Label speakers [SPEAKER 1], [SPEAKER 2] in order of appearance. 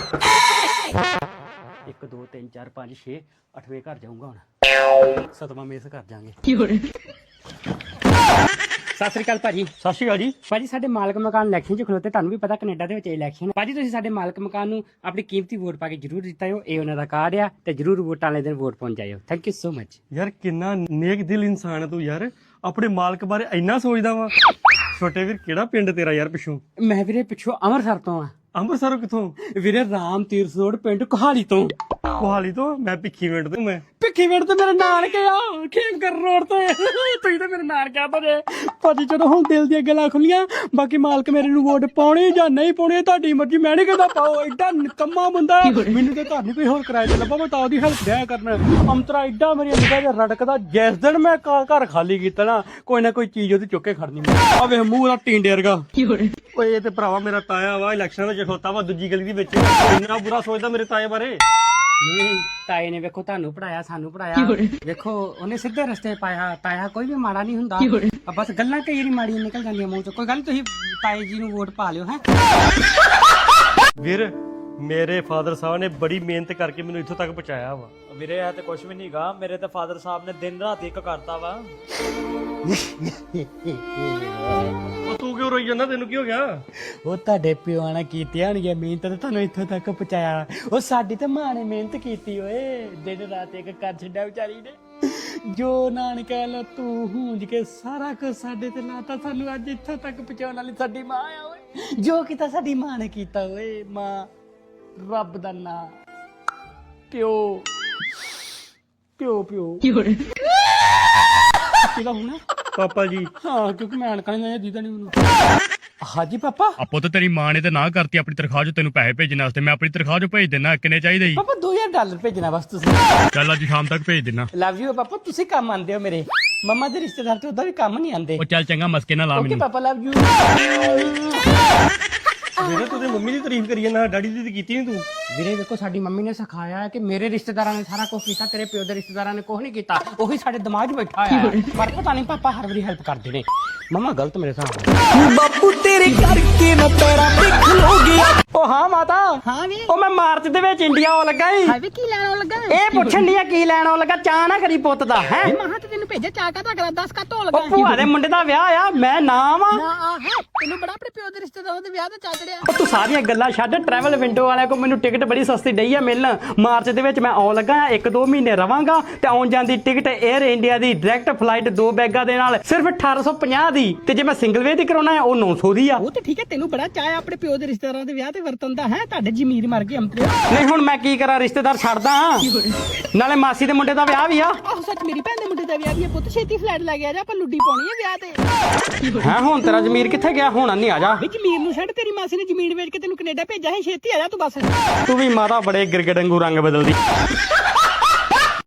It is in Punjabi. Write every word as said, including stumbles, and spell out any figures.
[SPEAKER 1] ਇੱਕ ਦੋ ਤਿੰਨ ਚਾਰ ਪੰਜ ਛੇ ਅੱਠਵੇਂ ਘਰ ਜਾਊਂਗਾ ਹੁਣ ਸਤਵਾਂ ਮੇਸ ਕਰ ਜਾਾਂਗੇ। ਸਤਿ ਸ੍ਰੀ ਅਕਾਲ ਭਾਜੀ।
[SPEAKER 2] ਸਤਿ ਸ਼੍ਰੀ ਅਕਾਲ ਜੀ।
[SPEAKER 1] ਭਾਜੀ ਸਾਡੇ ਮਾਲਕ ਮਕਾਨ ਇਲੈਕਸ਼ਨ 'ਚ ਖਲੋਤੇ, ਤੁਹਾਨੂੰ ਵੀ ਪਤਾ ਕੈਨੇਡਾ ਦੇ ਵਿੱਚ ਇਲੈਕਸ਼ਨ। ਭਾਜੀ ਤੁਸੀਂ ਸਾਡੇ ਮਾਲਕ ਮਕਾਨ ਨੂੰ ਆਪਣੀ ਕੀਮਤੀ ਵੋਟ ਪਾ ਕੇ ਜਰੂਰ ਜਿੱਤਾਇਓ, ਇਹ ਉਹਨਾਂ ਦਾ ਕਾਰਡ ਆ ਤੇ ਜਰੂਰ ਵੋਟਾਂ ਵਾਲੇ ਦਿਨ ਵੋਟ ਪਾਉਣ ਜਾਇਓ। Thank you so much.
[SPEAKER 2] ਯਾਰ ਕਿੰਨਾ ਨੇਕ ਦਿਲ ਇਨਸਾਨ ਹੈ ਤੂੰ ਯਾਰ, ਆਪਣੇ ਮਾਲਕ ਬਾਰੇ ਇੰਨਾ ਸੋਚਦਾ ਵਾ। ਛੋਟੇ ਵੀਰ ਕਿਹੜਾ ਪਿੰਡ ਤੇਰਾ ਯਾਰ ਪਿੱਛੋਂ?
[SPEAKER 1] ਮੈਂ ਵੀਰੇ ਪਿੱਛੋਂ ਅੰਮ੍ਰਿਤਸਰ ਤੋਂ ਆ।
[SPEAKER 2] ਅੰਮ੍ਰਿਤਸਰੋਂ ਕਿੱਥੋਂ?
[SPEAKER 1] ਵੀਰੇ ਰਾਮ ਤੀਰਥ ਰੋਡ ਪਿੰਡ ਕੋਹਾਲੀ ਤੋਂ।
[SPEAKER 2] ਕੋਹਾਲੀ ਤੋਂ? ਮੈਂ ਭਿੱਖੀ ਪਿੰਡ ਤੋਂ। ਮੈਂ
[SPEAKER 1] ਭਿੱਖੀ ਪਿੰਡ ਤੇ ਮੇਰੇ ਨਾਨਕੇ ਆ, ਖੇਮਕਰ ਰੋਡ ਤੇ। ਤੁਸੀਂ ਤਾਂ ਮੇਰੇ ਨਾਨਕੇ ਆ ਭਾਜੀ। ਭਾਜੀ ਜਦੋਂ ਹੁਣ ਦਿਲ ਦੀਆਂ ਗੱਲਾਂ ਖੁੱਲੀਆਂ, ਬਾਕੀ ਮਾਲਕ ਮੇਰੇ ਨੂੰ ਵੋਟ ਪਾਉਣੀ ਜਾਂ ਨਹੀਂ ਪਾਉਣੀ ਤੁਹਾਡੀ ਮਰਜ਼ੀ, ਮੈਂ ਨਹੀਂ ਕਹਿੰਦਾ ਪਾਓ। ਐਡਾ ਨਿਕੰਮਾ ਬੰਦਾ, ਮੈਨੂੰ ਤੇ ਘਰ ਨਹੀਂ ਕੋਈ ਹੋਰ ਕਿਰਾਏ ਤੇ ਲੱਭਾ, ਮੈਂ ਤਾਂ ਉਹਦੀ ਹੈਲਪ ਦਿਆ ਕਰਨਾ। ਅੰਤਰਾ ਐਡਾ ਮੇਰੀ ਨਿਗਾਹ ਜਿਹਾ ਰੜਕਦਾ, ਜਿਸ ਦਿਨ ਮੈਂ ਘਰ ਖਾਲੀ ਕੀਤਾ ਨਾ, ਕੋਈ ਨਾ ਕੋਈ ਚੀਜ਼ ਉਹਦੀ ਚੁੱਕ ਕੇ ਖੜਨੀ। ਆ ਵੇਖ ਮੂੰਹ ਦਾ ਟੀਂਡੇ ਵਰਗਾ।
[SPEAKER 2] ਓਏ ਇਹ ਤੇ ਭਰਾਵਾ ਮੇਰਾ ਤਾਇਆ ਵਾ, ਇਲੈਕਸ਼ਨਾਂ ਵਿੱਚ ਖੋਤਾ ਵਾ ਦੂਜੀ ਗਲੀ ਦੇ ਵਿੱਚ। ਇੰਨਾ ਬੁਰਾ ਸੋਚਦਾ ਮੇਰੇ ਤਾਏ ਬਾਰੇ।
[SPEAKER 1] ਨਹੀਂ ਤਾਏ ਨੇ ਵੇਖੋ ਤੁਹਾਨੂੰ ਪੜਾਇਆ, ਸਾਨੂੰ ਪੜਾਇਆ, ਵੇਖੋ ਉਹਨੇ ਸਿੱਧੇ ਰਸਤੇ ਪਾਇਆ। ਤਾਇਆ ਕੋਈ ਵੀ ਮਾੜਾ ਨਹੀਂ ਹੁੰਦਾ, ਬਸ ਗੱਲਾਂ ਕਈ ਵਾਰੀ ਮਾੜੀਆਂ ਨਿਕਲ ਜਾਂਦੀਆਂ ਮੂੰਹ ਚੋਂ। ਕੋਈ ਗੱਲ, ਤੁਸੀਂ ਤਾਏ ਜੀ ਨੂੰ ਵੋਟ ਪਾ ਲਿਓ। ਹੈ
[SPEAKER 2] ਵੀਰ ਮੇਰੇ ਫਾਦਰ ਸਾਹਿਬ ਨੇ ਬੜੀ ਮਿਹਨਤ ਕਰਕੇ ਮੈਨੂੰ ਇੱਥੋਂ ਤੱਕ ਪਹੁੰਚਾਇਆ ਵਾ।
[SPEAKER 3] ਵੀਰੇ ਇਹ ਤੇ ਕੁਝ ਵੀ ਨਹੀਂਗਾ, ਮੇਰੇ ਤੇ ਫਾਦਰ ਸਾਹਿਬ ਨੇ ਦਿਨ ਰਾਤ ਇੱਕ ਕਰਤਾ ਵਾ।
[SPEAKER 2] ਉਹ ਤੂੰ ਕਿਉਂ ਰੋਈ ਜਾਂਦਾ? ਤੈਨੂੰ ਕੀ ਹੋ ਗਿਆ?
[SPEAKER 1] ਉਹ ਤੁਹਾਡੇ ਪਿਓ ਨੇ ਕੀਤੀ ਹੋਣੀ ਮਿਹਨਤ ਤੇ ਤੁਹਾਨੂੰ ਇੱਥੋਂ ਤੱਕ ਪਹੁੰਚਾਇਆ। ਉਹ ਸਾਡੀ ਤੇ ਮਾਂ ਨੇ ਮਿਹਨਤ ਕੀਤੀ ਓਏ, ਦਿਨ ਰਾਤ ਇੱਕ ਕਰ ਛੱਡਿਆ ਵਿਚਾਰੀ ਨੇ। ਜੋ ਨਾਨਕਾ ਲਾ ਤੂੰ ਹੂੰਜ ਕੇ ਸਾਰਾ ਕੁਝ ਸਾਡੇ ਤੇ ਲਾਤਾ, ਸਾਨੂੰ ਅੱਜ ਇੱਥੋਂ ਤੱਕ ਪਹੁੰਚਾਉਣ ਵਾਲੀ ਸਾਡੀ ਮਾਂ ਆ ਓਏ। ਜੋ ਕੀਤਾ ਸਾਡੀ ਮਾਂ ਨੇ ਕੀਤਾ ਓਏ। ਮਾਂ ਰੱਬ ਦਾ ਨਾਂ, ਪਿਓ ਪਿਓ ਪਿਓ ਕਿਹਦਾ ਹੁਣ?
[SPEAKER 2] ਪਾਪਾ ਜੀ।
[SPEAKER 1] ਹਾਂ, ਕਿਉਂਕਿ ਮੈਂ ਅਣਕਾ ਨਹੀਂ ਦੀਦਾ ਨਹੀਂ ਮੈਨੂੰ। ਹਾਂਜੀ ਪਾਪਾ।
[SPEAKER 4] ਆਪੋ ਤੇ ਤੇਰੀ ਮਾਂ ਨੇ ਤੇ ਨਾ ਕਰਤੀ ਆਪਣੀ ਤਨਖਾਹ ਚੋਂ ਤੈਨੂੰ ਪੈਸੇ ਭੇਜਣ ਵਾਸਤੇ। ਮੈਂ ਆਪਣੀ ਤਨਖਾਹ ਚੋਂ ਭੇਜ ਦਿੰਦਾ। ਕਿੰਨੇ ਚਾਹੀਦੇ ਜੀ?
[SPEAKER 1] ਪਾਪਾ ਦੋ ਹਜ਼ਾਰ ਡਾਲਰ ਭੇਜਣਾ ਬਸ ਤੁਸੀਂ।
[SPEAKER 4] ਚੱਲ ਅੱਜ ਸ਼ਾਮ ਤੱਕ ਭੇਜ ਦਿੰਦਾ।
[SPEAKER 1] ਲਵ ਯੂ ਪਾਪਾ, ਤੁਸੀਂ ਕੰਮ ਆਂਦੇ ਹੋ ਮੇਰੇ। ਮੰਮਾ ਦੇ ਰਿਸ਼ਤੇਦਾਰ ਤੇ ਉਹਦਾ ਵੀ ਕੰਮ ਨਹੀਂ ਆਂਦੇ।
[SPEAKER 4] ਉਹ ਚੱਲ ਚੰਗਾ ਮਸਕੇ ਨਾ ਲਾ
[SPEAKER 1] ਓਕੇ
[SPEAKER 4] ਮੈਨੂੰ।
[SPEAKER 1] ਪਾਪਾ, ਲਵ ਯੂ।
[SPEAKER 2] ਵੀਰੇ ਤੂੰ ਤੇ ਮੰਮੀ ਦੀ ਤਾਰੀਫ ਕਰੀ ਜਾਂਦਾ, ਡੈਡੀ ਦੀ ਤੇ ਕੀਤੀ ਨਹੀਂ ਤੂੰ।
[SPEAKER 1] ਵੀਰੇ ਦੇਖੋ ਸਾਡੀ ਮੰਮੀ ਨੇ ਸਿਖਾਇਆ ਹੈ ਕਿ ਮੇਰੇ ਰਿਸ਼ਤੇਦਾਰਾਂ ਨੇ ਸਾਰਾ ਕੁਝ ਕੀਤਾ, ਤੇਰੇ ਪਿਓ ਦੇ ਰਿਸ਼ਤੇਦਾਰਾਂ ਨੇ ਕੁਝ ਨਹੀਂ ਕੀਤਾ। ਉਹੀ ਸਾਡੇ ਦਿਮਾਗ 'ਚ ਬੈਠਾ ਹੋਇਆ ਹੈ। ਪਰ ਪਤਾ ਨਹੀਂ ਪਾਪਾ ਹਰ ਵਾਰੀ ਹੈਲਪ ਕਰਦੇ ਨੇ। ਮੰਮਾ ਗਲਤ ਮੇਰੇ ਹਿਸਾਬ।
[SPEAKER 5] ਬਾਪੂ ਤੇਰੇ ਕਰਕੇ ਨਾ ਪੈਰਾਂ ਤੇ ਖਲੋ ਗਿਆ।
[SPEAKER 1] ਉਹ ਹਾਂ ਮਾਤਾ।
[SPEAKER 5] ਹਾਂ ਵੀ
[SPEAKER 1] ਉਹ ਮੈਂ ਮਾਰਚ ਦੇ ਵਿੱਚ ਇੰਡੀਆ ਆਉਣ ਲੱਗਾ ਈ।
[SPEAKER 5] ਹਾਏ ਵੇ ਕੀ ਲੈਣ ਆਉਣ ਲੱਗਾ?
[SPEAKER 1] ਇਹ ਪੁੱਛਣ ਦੀ ਕੀ ਲੈਣ ਆਉਣ ਲੱਗਾ? ਚਾਹ ਨਾ ਕਰੀ ਪੁੱਤ ਦਾ। ਹੈ
[SPEAKER 5] ਮਹਾਂ ਤੇ ਤੈਨੂੰ ਭੇਜਿਆ ਚਾਹ ਕਾ ਤਾਂ ਦਸ ਕਾ ਧੋ ਲੱਗਾ।
[SPEAKER 1] ਉਹ ਭੂਆ ਦੇ ਮੁੰਡੇ ਦਾ ਵਿਆਹ ਆ, ਮੈਂ ਨਾ ਵਾਂ।
[SPEAKER 5] ਨਾ ਆ ਹੈ ਤੈਨੂੰ ਬੜਾ ਆਪਣੇ ਪਿਓ ਦੇ ਰਿਸ਼ਤੇਦਾਰਾਂ ਦੇ ਵਿਆਹ ਤੇ ਚਾ ਚੜਿਆ।
[SPEAKER 1] ਉਹ ਤੂੰ ਸਾਰੀਆਂ ਗੱਲਾਂ ਛੱਡ। ਟਰੈਵਲ ਵਿੰਡੋ ਵਾਲਿਆਂ ਕੋਲ ਮੈਨੂੰ ਟਿਕਟ ਬੜੀ ਸਸਤੀ ਡਈ ਆ ਮਿਲਣ। ਮਾਰਚ ਦੇ ਵਿੱਚ ਮੈਂ ਆਉਣ ਲੱਗਾ, ਇੱਕ ਦੋ ਮਹੀਨੇ ਰਵਾਂਗਾ ਤੇ ਆਉਣ ਜਾਣ ਦੀ ਟਿਕਟ 에ਅਰ ਇੰਡੀਆ ਦੀ ਡਾਇਰੈਕਟ ਫਲਾਈਟ ਦੋ ਬੈਗਾਂ ਦੇ ਨਾਲ ਸਿਰਫ ਅਠਾਰਾਂ ਸੌ ਪੰਜਾਹ ਦੀ, ਤੇ ਜੇ ਮੈਂ ਸਿੰਗਲ ਵੇ ਦੀ ਕਰਾਉਣਾ ਹੈ ਉਹ ਨੌ ਸੌ ਦੀ ਆ।
[SPEAKER 5] ਉਹ ਤੇ ਠੀਕ ਹੈ, ਤੈਨੂੰ ਬੜਾ ਚਾਹ ਆਪਣੇ ਪਿਓ ਦੇ ਰਿਸ਼ਤੇਦਾਰਾਂ ਦੇ ਵਿਆਹ ਤੇ ਵਰਤਨ ਦਾ ਹੈ। ਤੁਹਾਡੇ ਜ਼ਮੀਰ ਮਰ ਗਏ ਅੰਤਰੇ।
[SPEAKER 1] ਨਹੀਂ ਹੁਣ ਮੈਂ ਕੀ ਕਰਾਂ, ਰਿਸ਼ਤੇਦਾਰ ਛੱਡਦਾ। ਨਾਲੇ ਮਾਸੀ ਦੇ ਮੁੰਡੇ ਦਾ ਵਿਆਹ ਵੀ ਆ।
[SPEAKER 5] ਆਹੋ ਸੱਚ, ਮੇਰੀ ਭੈਣ ਦੇ ਮੁੰਡੇ ਦਾ ਵਿਆਹ ਵੀ ਹੈ। ਪੁੱਤ ਛੇਤੀ ਫਲੈਟ ਲੈ ਗਿਆ ਜਾ, ਆਪਾਂ ਲੁੱਡੀ ਪਾਉਣੀ ਹੈ ਵਿਆਹ ਤੇ।
[SPEAKER 1] ਹੈ ਹੁਣ ਤੇਰਾ ਜ਼ਮੀਰ ਕਿੱਥੇ ਗਿਆ? ਹੁਣ ਨਹੀਂ ਆ ਜਾ।
[SPEAKER 5] ਵੀ ਜ਼ਮੀਰ ਨੂੰ ਛੱਡ, ਤੇਰੀ ਮਾਸੀ ਨੇ ਜ਼ਮੀਨ ਵੇਚ ਕੇ ਤੈਨੂੰ ਕੈਨੇਡਾ ਭੇਜਿਆ ਹੈ। ਛੇਤੀ ਆ ਜਾ ਤੂੰ ਬਸ।
[SPEAKER 1] ਤੂੰ ਵੀ ਮਾਤਾ ਬੜੇ ਗਿਰਗਿਰ ਵਾਂਗੂ ਰੰਗ ਬਦਲਦੀ।